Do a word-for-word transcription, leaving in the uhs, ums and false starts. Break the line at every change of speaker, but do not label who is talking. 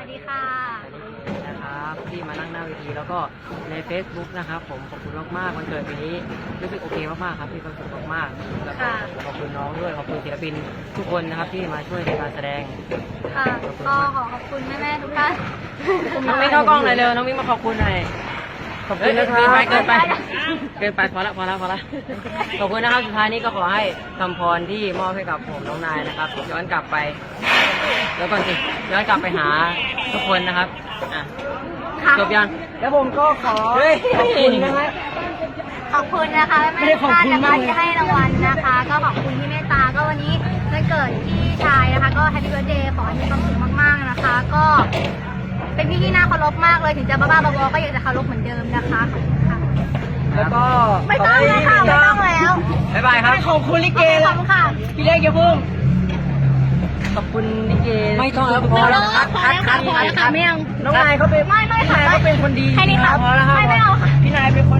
ดีค่ะ
นะครับที่มานั่งหน้าเวทีแล้วก็ใน Facebook นะครับผมขอบคุณมากๆวันเกิดปีนี้รู้สึกโอเคมากๆครับมีความสุขมากๆแล้วก็ขอบคุณน้องด้วยขอบคุณศิลปินทุกคนนะครับที่มาช่วยในการแสดง
ค่ะก็ขอขอบคุณแม่ๆทุกท่าน
น้องมิ้งเข้ากล้องหน่อยเร็วน้องมิ้งมาขอบคุณหน่อยขอบคุณนะครับเกินไปเกินไปพอละพอละพอละขอบคุณนะครับสุดท้ายนี้ก็ขอให้คำพรที่มอบให้กับผมน้องนายนะครับย้อนกลับไปแล้วก่อนสิย้อนกลับไปหาทุกคนนะครับอ่ะจบยังแล้วผมก็ขอขอบคุณนะฮะ
ขอบคุณนะคะแม่ๆทุกท่านนะคะที่ให้รางวัลนะคะ ก็ขอบคุณที่เมตตาก็วันนี้วันเกิดพี่ชายนะคะก็แฮปปี้เบิร์ธเดย์ขอให้มีความสุขมากๆนะคะ ก็เป็นพี่ที่น่าเคารพมากเลยถึงจะบ้าๆบอๆก็ยังจะเคารพเหมือนเดิมนะคะขอบคุณค่ะ
แล้วก็
ไม่ต้องแล้วค่ะไม่ต้องแล้ว
บ๊ายบายครับขอบคุณลิเก
ขอบคุณค่ะ
พี่เล็กอย่าพุ่งขอบคุณลิเกไม่ต้องแล้วพอแล้วคัดคัดคัดคัดคัด
ไม่เอา
น้องนายเขาเป็น
ไม่ไม่ค่ะ
เขาเป็นคนดี
แค่นี้ค่ะ
พอแล้วครับ
ไม่ไม่เอาค่ะ
พี่นายเป็นคน